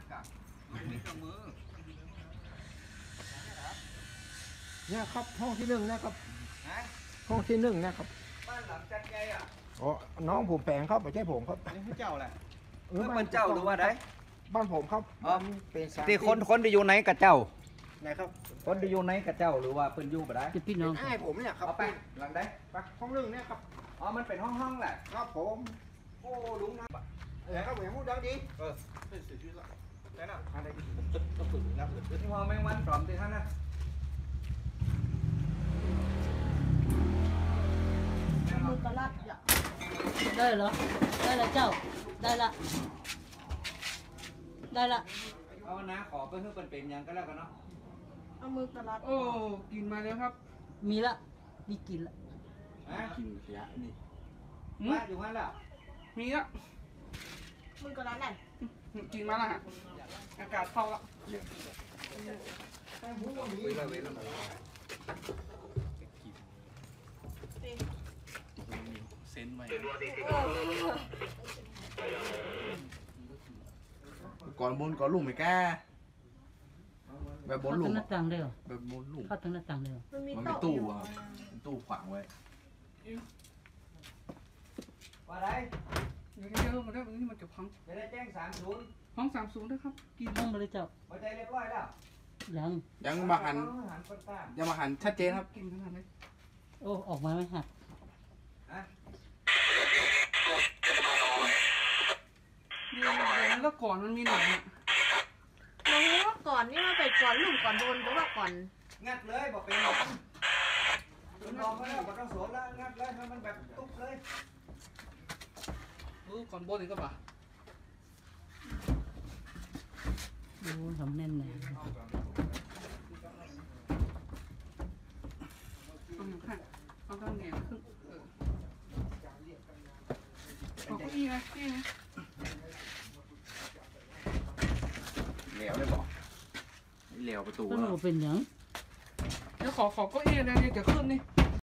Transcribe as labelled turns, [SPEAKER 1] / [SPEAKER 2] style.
[SPEAKER 1] เนี่ยครับห้องที่หนึ่งนะครับห้องที่หนึ่งนะครับ
[SPEAKER 2] บ้านหลังจัดไงอ่ะ
[SPEAKER 1] อ๋อน้องผมแปลงครับไม่ใช่ผมครับ
[SPEAKER 2] นี่เจ้าแหละมันเจ้าหรือว่าได
[SPEAKER 1] บ้านผมครับ
[SPEAKER 2] เป็นที่คนที่อยู่ไหนกับเจ้า
[SPEAKER 1] ไหนครับ
[SPEAKER 2] คนที่อยู่ไหนกับเจ้าหรือว่าเป็นอยู่บ่ได้
[SPEAKER 1] พี่น้องไอ้ผมเนี่ยครับ
[SPEAKER 2] ไปหลังใด
[SPEAKER 1] ไปห้องหนึ่งเนี่ยครับ
[SPEAKER 2] อ๋อมันเป็นห้องแหละ
[SPEAKER 1] ครับผมโอ้ลุงนะครับผมพูดดังดี
[SPEAKER 2] เป็นสื่อชื่อละไหนน่ะอะไรต้องฝึกนะที่ห้องแมงวันปลอมที่ท่านนะ
[SPEAKER 3] มือกระลัดได้เหรอได้ละเจ้าได้ละ
[SPEAKER 2] เอานะขอเพื่อเป็นยังก็แล้วกันเนาะ
[SPEAKER 3] เอามือกระลัด
[SPEAKER 4] โอ้กินมาแล้วครับ
[SPEAKER 3] มีละมีกินละ
[SPEAKER 2] กินเสียนี่มาอยู่งั้นแล้ว
[SPEAKER 4] มีละ
[SPEAKER 3] มือกระลัดไหน
[SPEAKER 4] กินมาละฮะอากาศเข้าละเซนไว้
[SPEAKER 5] ก่อนบนก่อนลุ่มไม่แก่แบบบนลุ่ม
[SPEAKER 3] หน้าต่างเดียว
[SPEAKER 5] แบบบนลุ่ม
[SPEAKER 3] เข้าทางหน้าต่างเดียว
[SPEAKER 5] มันมีตู้อ่ะตู้ขวางไว้
[SPEAKER 2] ว่าไร
[SPEAKER 4] เดี๋ยวมาได้นี่มันจะพัง
[SPEAKER 2] จะได้แจ้ง30
[SPEAKER 4] ห้อง30ด้วยครับ
[SPEAKER 3] กินห้องมาเลยเจ้า
[SPEAKER 2] หัวใจเรียบร้อยแล้ว
[SPEAKER 5] ยังมาหันยังมาหันชัดเจนครับ
[SPEAKER 4] กินขนาดไหน
[SPEAKER 3] โอ้ออกมาไม่หัก
[SPEAKER 4] เดี๋ยวแล้วก่อนมันมีหนังอ่ะ
[SPEAKER 3] มองว่าก่อนนี่ว่าไปก่อนลุ่มก่อนโดนหรือว่าก่อน
[SPEAKER 2] งัดเลยบอกเป็นหนังคุณลองมาแล้วบอกต้องสวนแล้วงัดเลยให้มันแบบตุ๊บเลย
[SPEAKER 4] ก่อนโบนอีกก็ป่ะ
[SPEAKER 3] ดูทำแน่นเลย
[SPEAKER 4] เอาตั้งแง่ขึ้นเอาเก้าอี้นะนี่นะ
[SPEAKER 5] เหลวได้บอกเหลวประตู
[SPEAKER 3] ก็หนูเป็นยัง
[SPEAKER 4] เดี๋ยวขอเก้าอี้เลยเดี๋ยวขึ้นนี่